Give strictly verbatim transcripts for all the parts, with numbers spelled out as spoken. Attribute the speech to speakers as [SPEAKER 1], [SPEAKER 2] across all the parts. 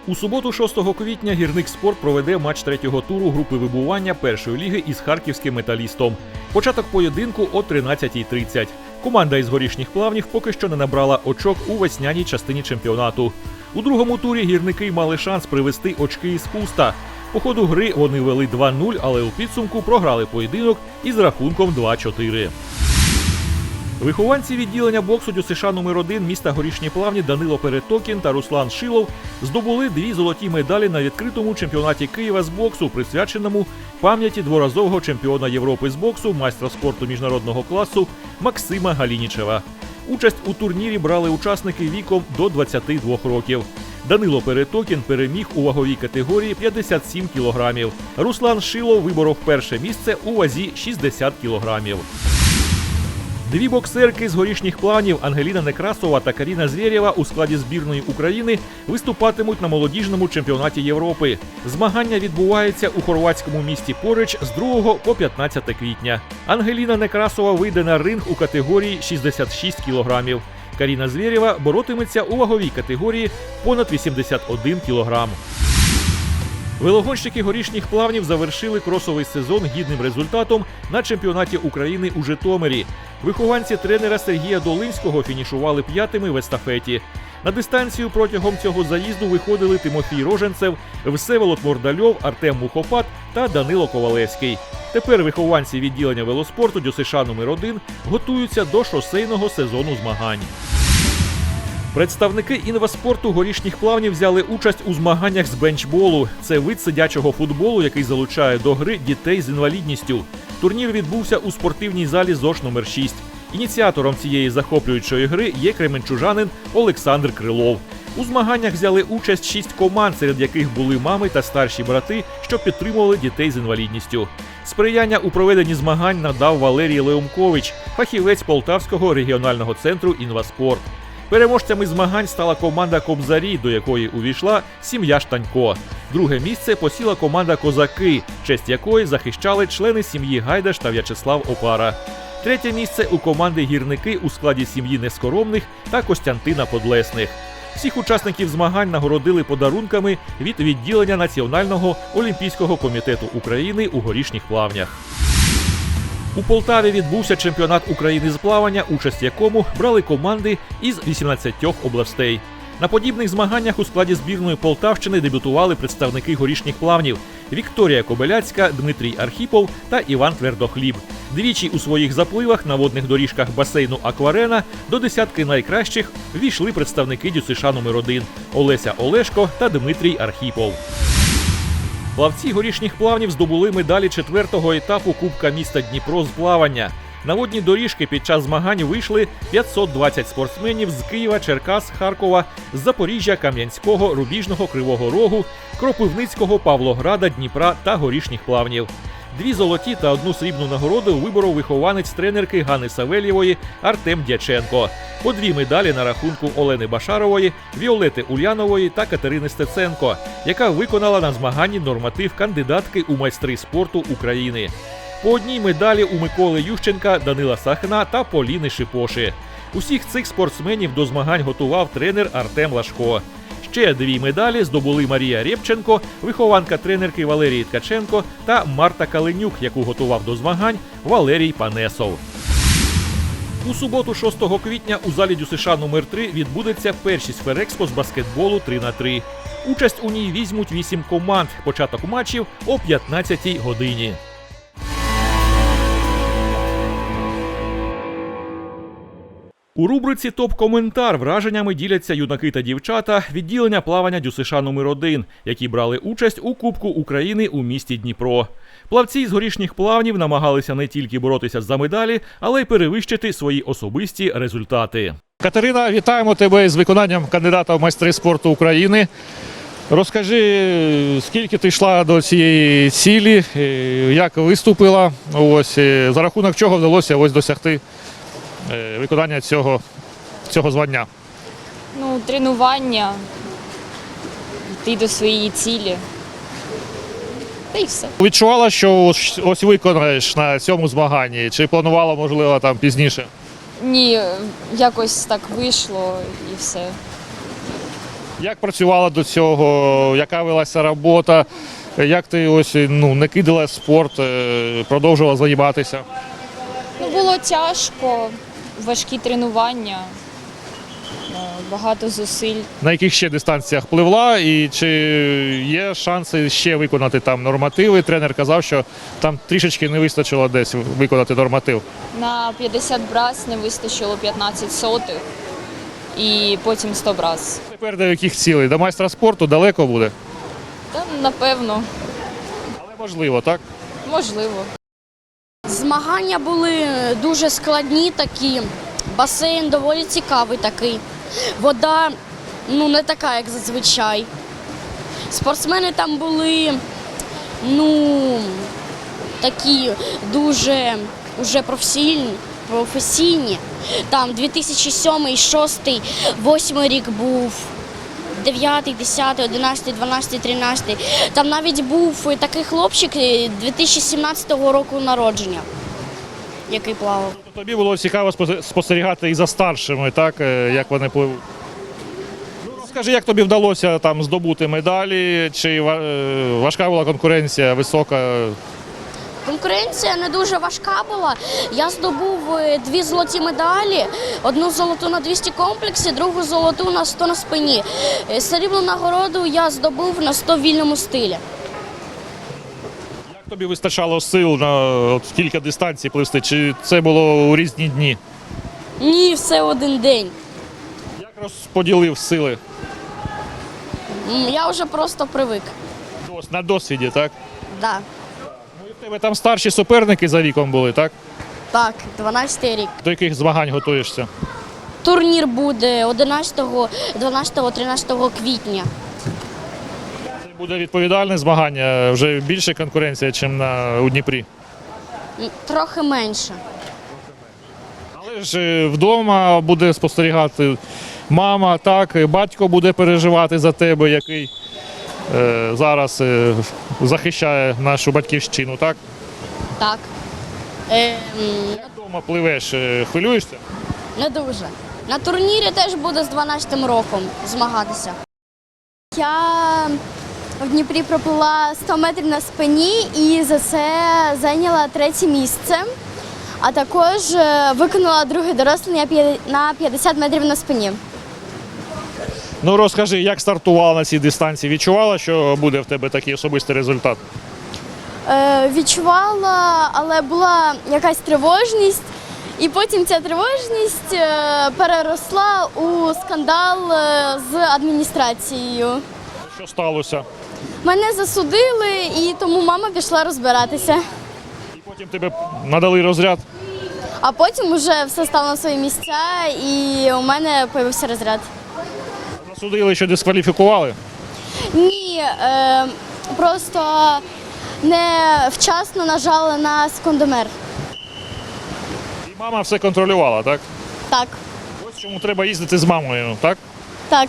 [SPEAKER 1] У суботу, шостого квітня, «Гірник Спорт» проведе матч третього туру групи вибування першої ліги із харківським «Металістом». Початок поєдинку о тринадцятій тридцять. Команда із Горішніх Плавнів поки що не набрала очок у весняній частині чемпіонату. У другому турі гірники мали шанс привезти очки із Хуста. По ходу гри вони вели два нуль, але у підсумку програли поєдинок із рахунком два-чотири. Вихованці відділення боксу ДЮСШ номер один міста Горішні Плавні Данило Перетокін та Руслан Шилов здобули дві золоті медалі на відкритому чемпіонаті Києва з боксу, присвяченому пам'яті дворазового чемпіона Європи з боксу, майстра спорту міжнародного класу Максима Галінічева. Участь у турнірі брали учасники віком до двадцяти двох років. Данило Перетокін переміг у ваговій категорії п'ятдесят сім кілограмів. Руслан Шилов виборов перше місце у вазі шістдесят кілограмів. Дві боксерки з Горішніх Плавнів Ангеліна Некрасова та Каріна Звєрєва у складі збірної України виступатимуть на молодіжному чемпіонаті Європи. Змагання відбуваються у хорватському місті Порич з другого по п'ятнадцяте квітня. Ангеліна Некрасова вийде на ринг у категорії шістдесят шість кілограмів. Каріна Звєрєва боротиметься у ваговій категорії понад вісімдесят один кілограм. Велогонщики Горішніх Плавнів завершили кросовий сезон гідним результатом на чемпіонаті України у Житомирі. Вихованці тренера Сергія Долинського фінішували п'ятими в естафеті. На дистанцію протягом цього заїзду виходили Тимофій Роженцев, Всеволод Мордальов, Артем Мухопад та Данило Ковалевський. Тепер вихованці відділення велоспорту ДЮСШ номер один готуються до шосейного сезону змагань. Представники інваспорту Горішніх Плавнів взяли участь у змаганнях з бенчболу. Це вид сидячого футболу, який залучає до гри дітей з інвалідністю. Турнір відбувся у спортивній залі ЗОШ номер шість. Ініціатором цієї захоплюючої гри є кременчужанин Олександр Крилов. У змаганнях взяли участь шість команд, серед яких були мами та старші брати, що підтримували дітей з інвалідністю. Сприяння у проведенні змагань надав Валерій Леумкович, фахівець Полтавського регіонального центру «Інваспорт». Переможцями змагань стала команда «Кобзарі», до якої увійшла сім'я Штанько. Друге місце посіла команда «Козаки», честь якої захищали члени сім'ї Гайдаш та В'ячеслав Опара. Третє місце у команди «Гірники» у складі сім'ї Нескоромних та Костянтина Подлесних. Всіх учасників змагань нагородили подарунками від відділення Національного олімпійського комітету України у Горішніх Плавнях. У Полтаві відбувся чемпіонат України з плавання, участь в якому брали команди із вісімнадцяти областей. На подібних змаганнях у складі збірної Полтавщини дебютували представники Горішніх Плавнів – Вікторія Кобиляцька, Дмитрій Архіпов та Іван Твердохліб. Двічі у своїх запливах на водних доріжках басейну «Акварена» до десятки найкращих ввійшли представники ДЮСШ номер один – Олеся Олешко та Дмитрій Архіпов. Плавці Горішніх Плавнів здобули медалі четвертого етапу Кубка міста Дніпро з плавання. На водні доріжки під час змагань вийшли п'ятсот двадцять спортсменів з Києва, Черкас, Харкова, з Запоріжжя, Кам'янського, Рубіжного, Кривого Рогу, Кропивницького, Павлограда, Дніпра та Горішніх Плавнів. Дві золоті та одну срібну нагороду виборов вихованець тренерки Гани Савельєвої Артем Дяченко. По дві медалі на рахунку Олени Башарової, Віолети Ульянової та Катерини Стеценко, яка виконала на змаганні норматив кандидатки у майстри спорту України. По одній медалі у Миколи Ющенка, Данила Сахна та Поліни Шипоши. Усіх цих спортсменів до змагань готував тренер Артем Лашко. Ще дві медалі здобули Марія Рєпченко, вихованка тренерки Валерії Ткаченко та Марта Каленюк, яку готував до змагань Валерій Панесов. У суботу, шостого квітня, у залі ДЮСШ номер три відбудеться першість Ферекспо з баскетболу три на три. Участь у ній візьмуть вісім команд. Початок матчів о п'ятнадцятій годині. У рубриці «Топ-коментар» враженнями діляться юнаки та дівчата відділення плавання ДЮСШ номер один, які брали участь у Кубку України у місті Дніпро. Плавці з Горішніх Плавнів намагалися не тільки боротися за медалі, але й перевищити свої особисті результати.
[SPEAKER 2] Катерина, вітаємо тебе з виконанням кандидата в майстри спорту України. Розкажи, скільки ти йшла до цієї цілі, як виступила, ось, за рахунок чого вдалося ось досягти виконання цього, цього звання?
[SPEAKER 3] Ну, тренування, йти до своєї цілі. Та й все.
[SPEAKER 2] Відчувала, що ось, ось виконаєш на цьому змаганні? Чи планувала, можливо, там пізніше?
[SPEAKER 3] Ні, якось так вийшло і все.
[SPEAKER 2] Як працювала до цього, яка велася робота, як ти ось ну, не кидала спорт, е, продовжувала займатися?
[SPEAKER 3] Ну, було тяжко, важкі тренування, е, багато зусиль.
[SPEAKER 2] На яких ще дистанціях пливла і чи є шанси ще виконати там нормативи? Тренер казав, що там трішечки не вистачило десь виконати норматив.
[SPEAKER 3] На п'ятдесят брас не вистачило п'ятнадцять сотих і потім сто брас.
[SPEAKER 2] Тепер до яких цілей? До майстра спорту далеко буде?
[SPEAKER 3] Та, напевно,
[SPEAKER 2] Але можливо, так?
[SPEAKER 3] можливо.
[SPEAKER 4] Змагання були дуже складні такі, басейн доволі цікавий такий. Вода ну, не така, як зазвичай. Спортсмени там були ну, такі дуже уже професійні. професійні. Там дві тисячі сьомий, дві тисячі шостий, дві тисячі восьмий рік був, дев'ятий, десятий, одинадцятий, дванадцятий, тринадцятий. Там навіть був такий хлопчик дві тисячі сімнадцятого року народження, який плавав.
[SPEAKER 2] Тобі було цікаво спо- спостерігати і за старшими, так, е, як вони пливуть. Ну, розкажи, як тобі вдалося там здобути медалі, чи ва- е, важка була конкуренція, висока?
[SPEAKER 4] Конкуренція не дуже важка була. Я здобув е, дві золоті медалі, одну золоту на двісті комплексі, другу золоту на сто на спині. Е, Срібну нагороду я здобув на сто в вільному стилі.
[SPEAKER 2] Як тобі вистачало сил на от, кілька дистанцій пливсти, чи це було у різні дні?
[SPEAKER 4] Ні, все в один день.
[SPEAKER 2] Як розподілив сили?
[SPEAKER 4] М, Я вже просто привик.
[SPEAKER 2] Дос- На досвіді, так?
[SPEAKER 4] Да.
[SPEAKER 2] Ну, і в тебе там старші суперники за віком були, так?
[SPEAKER 4] Так, дванадцятий рік.
[SPEAKER 2] До яких змагань готуєшся?
[SPEAKER 4] Турнір буде одинадцятого, дванадцятого, тринадцятого квітня.
[SPEAKER 2] Це буде відповідальне змагання, вже більше конкуренція, ніж на у Дніпрі.
[SPEAKER 4] М, Трохи менше.
[SPEAKER 2] Але ж е, вдома буде спостерігати мама, так, і батько буде переживати за тебе, який е, зараз е, захищає нашу батьківщину, так?
[SPEAKER 4] Так. Е, м,
[SPEAKER 2] Як вдома пливеш, е, хвилюєшся?
[SPEAKER 4] Не дуже. На турнірі теж буду з дванадцятим роком змагатися.
[SPEAKER 5] Я в Дніпрі проплила сто метрів на спині і за це зайняла третє місце. А також е, виконала друге дорослення п'я- на п'ятдесят метрів на спині.
[SPEAKER 2] Ну розкажи, як стартувала на цій дистанції? Відчувала, що буде в тебе такий особистий результат?
[SPEAKER 5] Е, відчувала, але була якась тривожність. І потім ця тривожність е, переросла у скандал е, з адміністрацією.
[SPEAKER 2] Що сталося?
[SPEAKER 5] Мене засудили, і тому мама пішла розбиратися.
[SPEAKER 2] І потім тебе надали розряд.
[SPEAKER 5] А потім вже все стало на свої місця, і у мене з'явився розряд.
[SPEAKER 2] Засудили, що дискваліфікували.
[SPEAKER 5] Ні, е, просто не вчасно нажали на секундомер.
[SPEAKER 2] І мама все контролювала, так?
[SPEAKER 5] Так,
[SPEAKER 2] Ось чому треба їздити з мамою, так?
[SPEAKER 5] так.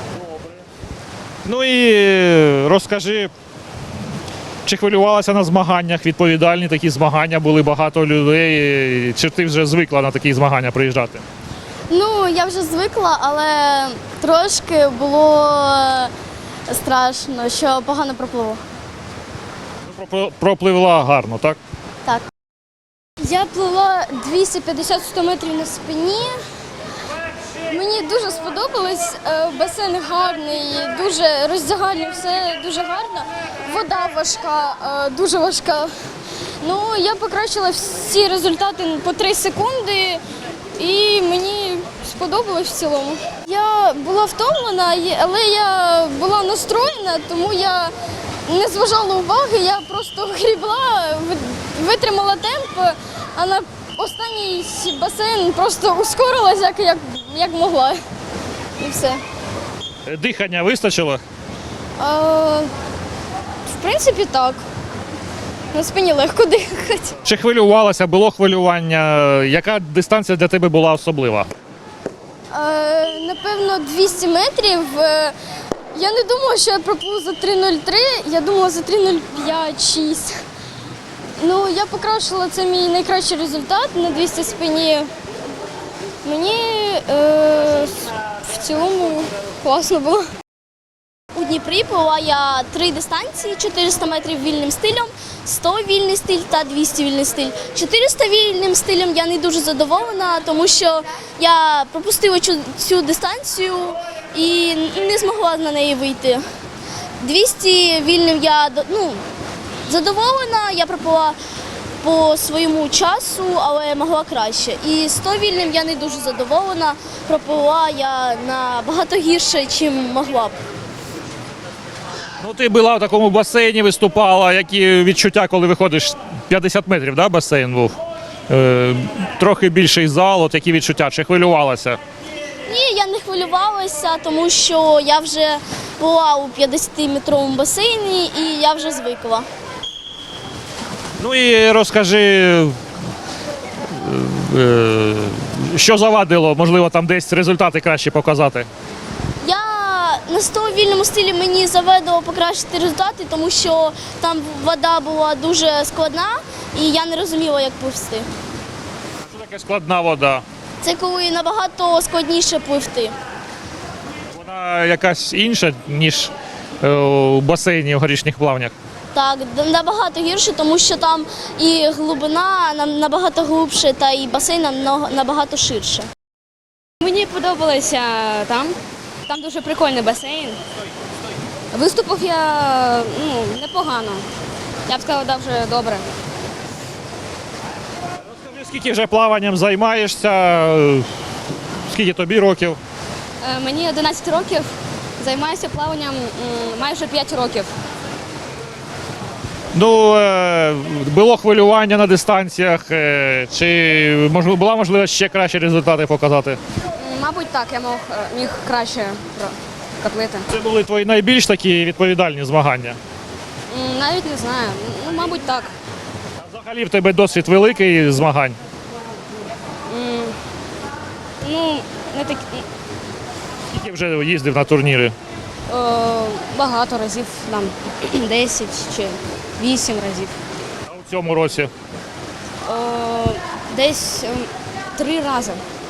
[SPEAKER 2] Ну і е, розкажи, чи хвилювалася на змаганнях, відповідальні такі змагання, були багато людей, чи ти вже звикла на такі змагання приїжджати?
[SPEAKER 5] Ну, я вже звикла, але трошки було страшно, що погано пропливу.
[SPEAKER 2] Ну, про- Пропливла гарно, так?
[SPEAKER 5] Так. Я плила двісті п'ятдесят сто метрів на спині. Мені дуже сподобалось. Е, Басейн гарний, дуже роздягальний, все дуже гарно. Вода важка, е, дуже важка. Ну, я покращила всі результати по три секунди, і мені сподобалось в цілому. Я була втомлена, є- але я була настроєна, тому я не зважала уваги, я просто грібла, ви- витримала темп, а на останній басейн просто ускорилась, як, як, як могла. І все.
[SPEAKER 2] Е, Дихання вистачило?
[SPEAKER 5] А, в принципі, так. На спині легко дихати.
[SPEAKER 2] Чи хвилювалася, було хвилювання? Яка дистанція для тебе була особлива?
[SPEAKER 5] Е, напевно, двісті метрів. Е, Я не думала, що я пропливу за три нуль три, я думала за три нуль п'ять шість. Ну, я покращила, це мій найкращий результат на двісті спині. Мені е, в цілому класно було.
[SPEAKER 4] Дніпрі плила я три дистанції: чотириста метрів вільним стилем, сто вільний стиль та двісті вільний стиль. чотириста вільним стилем я не дуже задоволена, тому що я пропустила цю, цю дистанцію і не змогла на неї вийти. двісті вільним я ну, задоволена, я проплила по своєму часу, але могла краще. І сто вільним я не дуже задоволена, проплила я набагато гірше, ніж могла б.
[SPEAKER 2] Ну, ти була в такому басейні, виступала. Які відчуття, коли виходиш? п'ятдесят метрів, да, басейн був? Е, трохи більший зал, от які відчуття? Чи хвилювалася?
[SPEAKER 4] Ні, я не хвилювалася, тому що я вже була у п'ятдесятиметровому басейні і я вже звикла.
[SPEAKER 2] Ну і розкажи, е, що завадило, можливо, там десь результати краще показати?
[SPEAKER 4] Я на сто вільному стилі мені завадило покращити результати, тому що там вода була дуже складна і я не розуміла, як пливти.
[SPEAKER 2] Це така складна вода.
[SPEAKER 4] Це коли набагато складніше пливти.
[SPEAKER 2] Вона якась інша, ніж е, у басейні в горішніх плавнях.
[SPEAKER 4] Так, набагато гірше, тому що там і глибина нам набагато глибше, та і басейн нам набагато ширше.
[SPEAKER 6] Мені подобалося там. Там дуже прикольний басейн. Виступив я ну, непогано. Я б сказала, дуже добре.
[SPEAKER 2] Розкажи, скільки вже плаванням займаєшся, е, скільки тобі років?
[SPEAKER 6] Е, Мені одинадцять років, займаюся плаванням м, майже п'ять років.
[SPEAKER 2] Ну, е, було хвилювання на дистанціях, е, чи можливо, була можливість ще кращі результати показати?
[SPEAKER 6] М, Мабуть, так, я мог, е, міг краще про- коплити.
[SPEAKER 2] Це були твої найбільш такі відповідальні змагання?
[SPEAKER 6] М, Навіть не знаю. Ну, мабуть, так.
[SPEAKER 2] А взагалі в тебе досвід великий змагань?
[SPEAKER 6] М, Ну, не так
[SPEAKER 2] Скільки вже їздив на турніри?
[SPEAKER 6] е, багато разів, там десять чи вісім разів.
[SPEAKER 2] А у цьому році?
[SPEAKER 6] Е, Десь ем, три рази.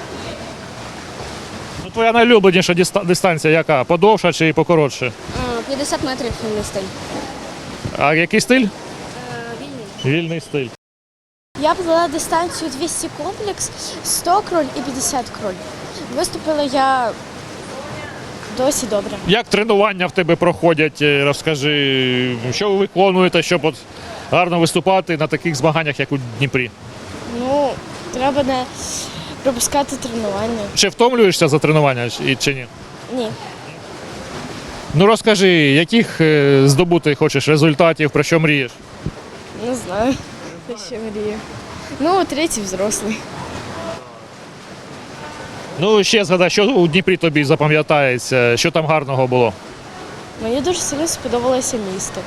[SPEAKER 2] Ну, твоя найлюбленіша диста- дистанція яка? Подовша чи покоротше?
[SPEAKER 6] Е, п'ятдесят метрів вільний стиль.
[SPEAKER 2] А який стиль?
[SPEAKER 6] Е, Вільний.
[SPEAKER 2] Вільний стиль.
[SPEAKER 5] Я плила дистанцію двісті комплекс, сто кроль і п'ятдесят кроль. Виступила я досі добре.
[SPEAKER 2] Як тренування в тебе проходять? Е, Розкажи, що ви виконуєте, щоб от гарно виступати на таких змаганнях, як у Дніпрі?
[SPEAKER 5] Ну, треба не пропускати тренування.
[SPEAKER 2] Чи втомлюєшся за тренування чи- чи ні?
[SPEAKER 5] Ні.
[SPEAKER 2] Ну розкажи, яких е, здобути хочеш результатів, про що мрієш?
[SPEAKER 5] Не знаю, про що мрію. Ну, третій взрослий.
[SPEAKER 2] Ну ще згадай, що у Дніпрі тобі запам'ятається, що там гарного було?
[SPEAKER 5] Мені дуже сильно сподобалося місто.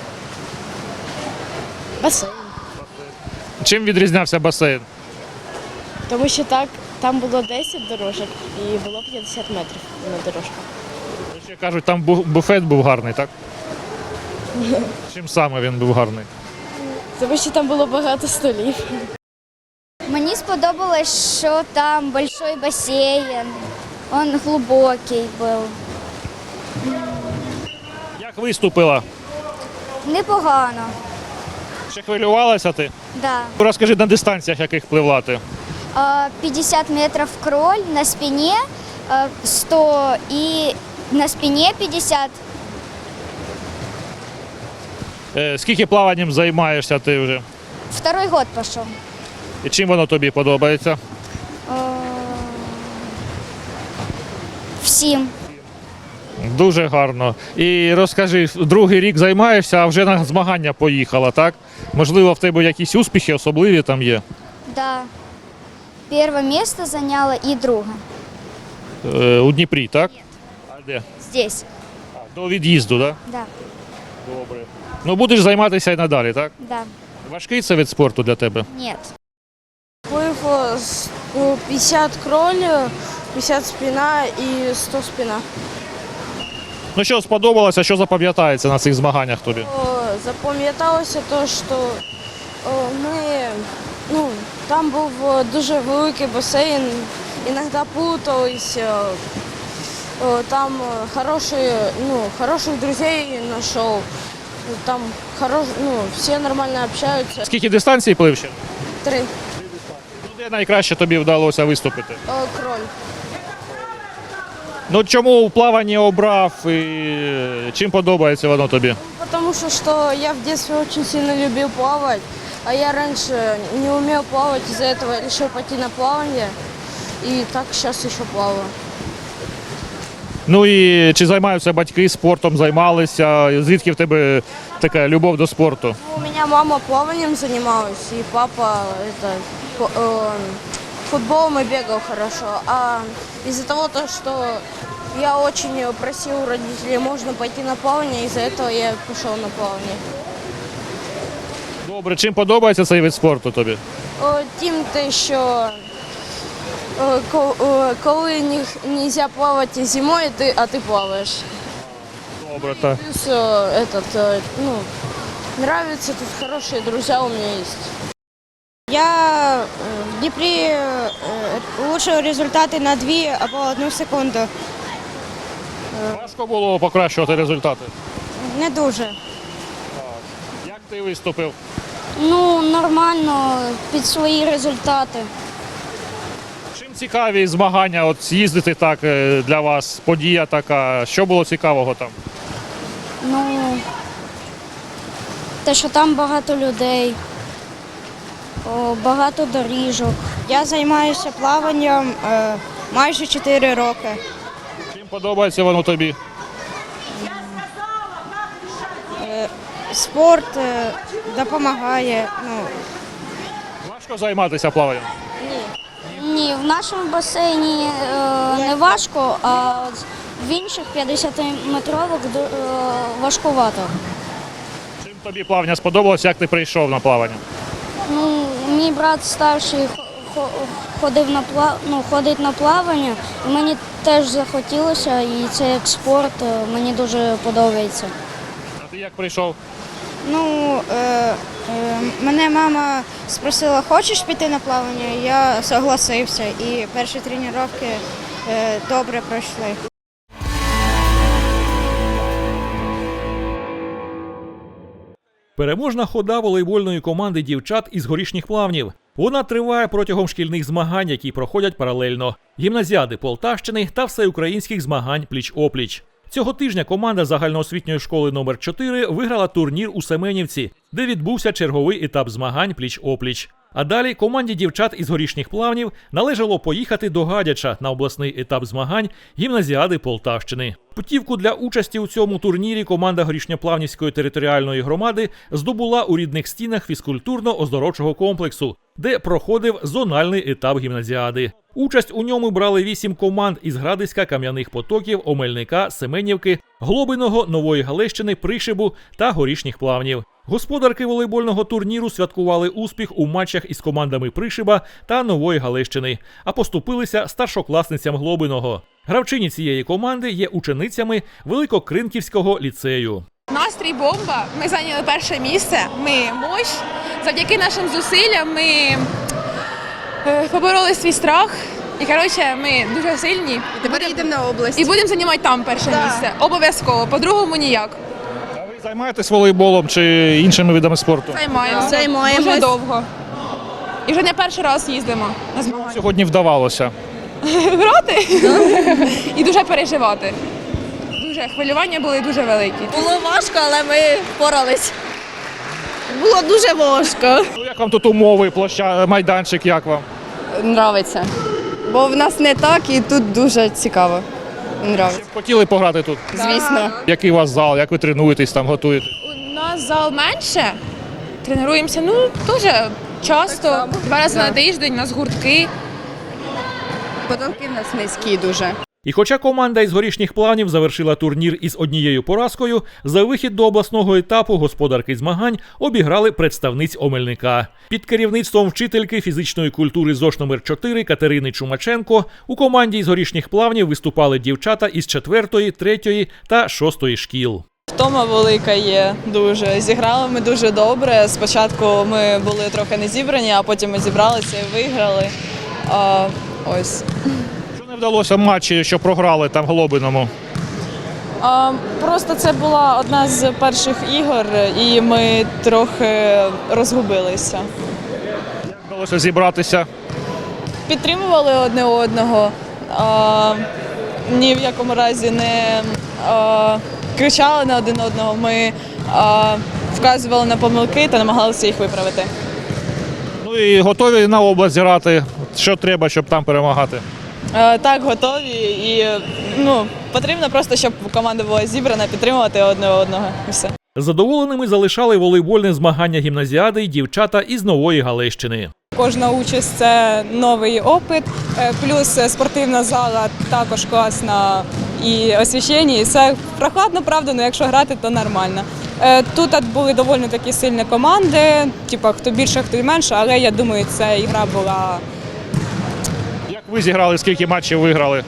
[SPEAKER 5] Басейн.
[SPEAKER 2] Чим відрізнявся басейн?
[SPEAKER 5] Тому що так, там було десять дорожок і було п'ятдесят метрів на дорожках.
[SPEAKER 2] Ще кажуть, там бу- буфет був гарний, так? Чим саме він був гарний?
[SPEAKER 5] Тому що там було багато столів.
[SPEAKER 7] Мені сподобалось, що там большой басейн, він глибокий був.
[SPEAKER 2] Як виступила?
[SPEAKER 7] Непогано.
[SPEAKER 2] Чи хвилювалася ти?
[SPEAKER 7] Да.
[SPEAKER 2] Розкажи, на дистанціях яких пливла ти?
[SPEAKER 7] А, п'ятдесят метрів кроль на спині, а, сто і на спині п'ятдесят.
[SPEAKER 2] Е, Скільки плаванням займаєшся ти вже?
[SPEAKER 7] Второй год пішов.
[SPEAKER 2] І чим воно тобі подобається?
[SPEAKER 7] А, Всім.
[SPEAKER 2] Дуже гарно. І розкажи, другий рік займаєшся, а вже на змагання поїхала, так? Можливо, в тебе якісь успіхи особливі там є?
[SPEAKER 7] Да. Перше місце зайняла і друге.
[SPEAKER 2] Е, у Дніпрі, так? А де?
[SPEAKER 7] Здесь.
[SPEAKER 2] А, до від'їзду, так?
[SPEAKER 7] Да.
[SPEAKER 2] Добре. Ну будеш займатися і надалі, так?
[SPEAKER 7] Да.
[SPEAKER 2] Важкий це вид спорту для тебе?
[SPEAKER 7] Ні.
[SPEAKER 5] Плив п'ятдесят кроль, п'ятдесят спина і сто спина.
[SPEAKER 2] Ну що сподобалося, що запам'ятається на цих змаганнях тобі?
[SPEAKER 5] Запам'яталося те, що о, ми, ну, там був дуже великий басейн, іноді плутались,
[SPEAKER 4] Э, Там э, хорошие, ну, хороших друзей нашел. Там хорош, ну, все нормально общаются.
[SPEAKER 2] Скільки дистанцій плив ще?
[SPEAKER 4] Три.
[SPEAKER 2] Ну, де найкраще тобі вдалося виступити?
[SPEAKER 4] Э, Кроль.
[SPEAKER 2] Ну чому у плаванні обрав і чим подобається воно тобі?
[SPEAKER 4] Потому что, что я в детстве очень сильно любил плавать, а я раньше не умел плавать, из-за этого решил пойти на плавание. И так сейчас еще плаваю.
[SPEAKER 2] Ну і чи займаються батьки спортом, займалися? Звідки в тебе така любов до спорту?
[SPEAKER 4] У меня мама плаванием занималась, и папа это, по- э, футболом и бегал хорошо. А из-за того, то, что я очень просил у родителей, можно пойти на плавание, из-за этого я пошел на плавание.
[SPEAKER 2] Добре, чим подобається цей вид спорту тобі?
[SPEAKER 4] О, Тим, те, що е, ко- е, коли не можна плавати зимою, ти, а ти плаваєш.
[SPEAKER 2] Добре, так.
[SPEAKER 4] Плюс е, этот, е, ну, нравится, тут хорошие друзья у меня есть.
[SPEAKER 8] Я е, в Дніпрі е, улучшив результати на дві або одну секунду.
[SPEAKER 2] Важко було покращувати результати.
[SPEAKER 8] Не дуже.
[SPEAKER 2] Як ти виступив?
[SPEAKER 4] Ну, нормально, під свої результати.
[SPEAKER 2] Чим цікаві змагання, от з'їздити так е, для вас, подія така, що було цікавого там?
[SPEAKER 4] Ну, те, що там багато людей, о, багато доріжок.
[SPEAKER 8] Я займаюся плаванням е, майже чотири роки.
[SPEAKER 2] Чим подобається воно тобі?
[SPEAKER 8] Спорт е, допомагає. Ну,
[SPEAKER 2] Важко займатися плаванням?
[SPEAKER 4] Ні, в нашому басейні е, не важко, а от в інших п'ятдесятиметрових ду- е, важкувато.
[SPEAKER 2] Чим тобі плавання сподобалося, як ти прийшов на плавання?
[SPEAKER 4] Ну, мій брат старший хо- хо- ходив на пла... ну, ходить на плавання, і мені теж захотілося, і це як спорт е, мені дуже подобається.
[SPEAKER 2] А ти як прийшов?
[SPEAKER 8] ну е, е, мене мама спросила, хочеш піти на плавання? Я согласився і перші тренування е, добре пройшли.
[SPEAKER 1] Переможна хода волейбольної команди дівчат із горішніх плавнів. Вона триває протягом шкільних змагань, які проходять паралельно. Гімназіади Полтавщини та всеукраїнських змагань пліч-опліч. Цього тижня команда загальноосвітньої школи номер чотири виграла турнір у Семенівці, де відбувся черговий етап змагань пліч-опліч. А далі команді дівчат із горішніх плавнів належало поїхати до Гадяча на обласний етап змагань гімназіади Полтавщини. Путівку для участі у цьому турнірі команда Горішньоплавнівської територіальної громади здобула у рідних стінах фізкультурно-оздоровчого комплексу, де проходив зональний етап гімназіади. Участь у ньому брали вісім команд із Градиська, Кам'яних Потоків, Омельника, Семенівки, Глобиного, Нової Галещини, Пришибу та Горішніх плавнів. Господарки волейбольного турніру святкували успіх у матчах із командами Пришиба та Нової Галещини, а поступилися старшокласницям Глобиного. Гравчині цієї команди є ученицями Великокринківського ліцею.
[SPEAKER 9] Настрій бомба. Ми зайняли перше місце. Ми мощ. Завдяки нашим зусиллям ми е, побороли свій страх. І коротше, ми дуже сильні. І
[SPEAKER 10] Тепер їдемо на область.
[SPEAKER 9] І будемо займати там перше
[SPEAKER 10] Да.
[SPEAKER 9] місце. Обов'язково. По-другому ніяк.
[SPEAKER 2] А ви займаєтесь волейболом чи іншими видами спорту?
[SPEAKER 9] Займаємося.
[SPEAKER 10] Займаємось.
[SPEAKER 9] Дуже довго. І вже не перший раз їздимо на змагання.
[SPEAKER 2] Сьогодні вдавалося.
[SPEAKER 9] Грати і дуже переживати. Дуже хвилювання були дуже великі.
[SPEAKER 10] Було важко, але ми впорались. Було дуже важко.
[SPEAKER 2] Ну як вам тут умови, площа, майданчик, як вам?
[SPEAKER 10] Нравиться. Бо в нас не так і тут дуже цікаво. Нравиться.
[SPEAKER 2] Хотіли пограти тут?
[SPEAKER 10] Звісно.
[SPEAKER 2] Який у вас зал, як ви тренуєтесь, там готуєте?
[SPEAKER 9] У нас зал менше. Тренуємося, ну, дуже часто. Два рази на тиждень, у нас гуртки.
[SPEAKER 10] Потолки в нас низькі дуже.
[SPEAKER 1] І хоча команда із горішніх плавнів завершила турнір із однією поразкою, за вихід до обласного етапу господарки змагань обіграли представниць Омельника. Під керівництвом вчительки фізичної культури ЗОШ номер чотири Катерини Чумаченко у команді із горішніх плавнів виступали дівчата із четвертої, третьої та шостої шкіл.
[SPEAKER 11] Втома велика є дуже. Зіграли ми дуже добре. Спочатку ми були трохи не зібрані, а потім ми зібралися і виграли. А, ось.
[SPEAKER 2] Що не вдалося в матчі, що програли там в Глобиному?
[SPEAKER 11] А, просто це була одна з перших ігор, і ми трохи розгубилися.
[SPEAKER 2] Як вдалося зібратися?
[SPEAKER 11] Підтримували одне одного, а, ні в якому разі не а, кричали на один одного. Ми а, вказували на помилки та намагалися їх виправити.
[SPEAKER 2] Ну і готові на область грати? Що треба, щоб там перемагати?
[SPEAKER 11] А, так, готові. І ну, потрібно просто, щоб команда була зібрана, підтримувати одне одного і все.
[SPEAKER 1] Задоволеними залишали волейбольне змагання гімназіади й дівчата із Нової Галещини.
[SPEAKER 9] Кожна участь – це новий опит, е, плюс спортивна зала також класна і освітлення, і все прохладно, правда, але якщо грати, то нормально. Е, Тут були доволі такі сильні команди, типу, хто більше, хто менше, але я думаю, ця ігра була.
[SPEAKER 2] Як ви зіграли, скільки матчів виграли?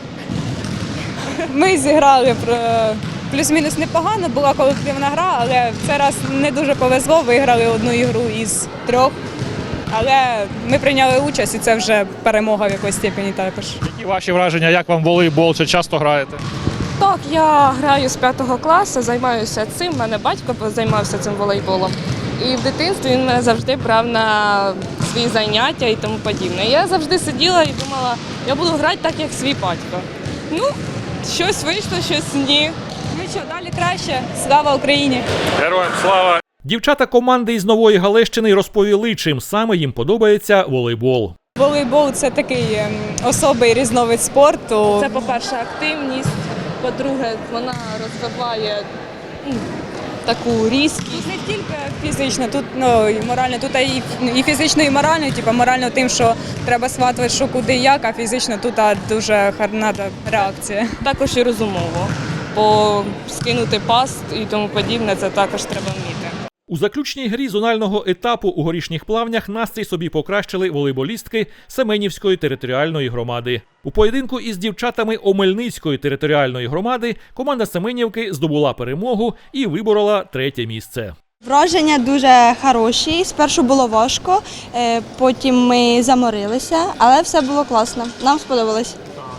[SPEAKER 9] Ми зіграли про- плюс-мінус непогано, була колективна гра, але в цей раз не дуже повезло, виграли одну ігру із трьох. Але ми прийняли участь, і це вже перемога в якоїсь степені також.
[SPEAKER 2] Які ваші враження, як вам волейбол, чи часто граєте?
[SPEAKER 12] Так, я граю з п'ятого класу, займаюся цим. У мене батько займався цим волейболом. І в дитинстві він мене завжди брав на свої заняття і тому подібне. Я завжди сиділа і думала, я буду грати так, як свій батько. Ну, щось вийшло, щось ні.
[SPEAKER 9] Ну що, далі краще. Слава Україні!
[SPEAKER 2] Героям слава!
[SPEAKER 1] Дівчата команди із Нової Галещини розповіли, чим саме їм подобається волейбол.
[SPEAKER 9] Волейбол – це такий ем, особий різновид спорту.
[SPEAKER 12] Це, по-перше, активність, по-друге, вона розвиває м, таку різкість.
[SPEAKER 9] Не тільки фізично, тут ну, і морально, тут і, і фізично, і морально. Типу, морально тим, що треба схватувати, що куди і як, а фізично тут а, дуже гарна реакція.
[SPEAKER 12] Також і розумово, бо скинути пас і тому подібне, це також треба вміти.
[SPEAKER 1] У заключній грі зонального етапу у Горішніх Плавнях настрій собі покращили волейболістки Семенівської територіальної громади. У поєдинку із дівчатами Омельницької територіальної громади команда Семенівки здобула перемогу і виборола третє місце.
[SPEAKER 8] Враження дуже хороші. Спершу було важко, е, потім ми заморилися, але все було класно. Нам сподобалось.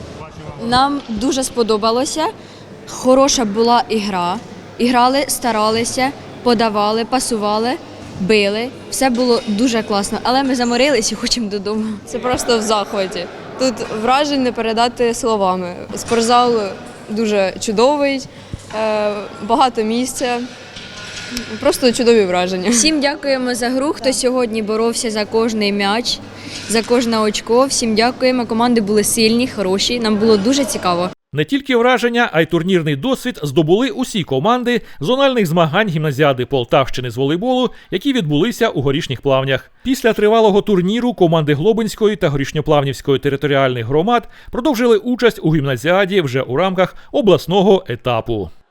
[SPEAKER 3] Нам дуже сподобалося. Хороша була ігра. Іграли, старалися, подавали, пасували, били. Все було дуже класно, але ми заморились і хочемо додому.
[SPEAKER 10] Це просто в захваті. Тут вражень не передати словами. Спортзал дуже чудовий, е, багато місця. Просто чудові враження.
[SPEAKER 3] Всім дякуємо за гру, хто сьогодні боровся за кожний м'яч, за кожне очко. Всім дякуємо. Команди були сильні, хороші. Нам було дуже цікаво.
[SPEAKER 1] Не тільки враження, а й турнірний досвід здобули усі команди зональних змагань гімназіади Полтавщини з волейболу, які відбулися у Горішніх Плавнях. Після тривалого турніру команди Глобинської та Горішньоплавнівської територіальних громад продовжили участь у гімназіаді вже у рамках обласного етапу.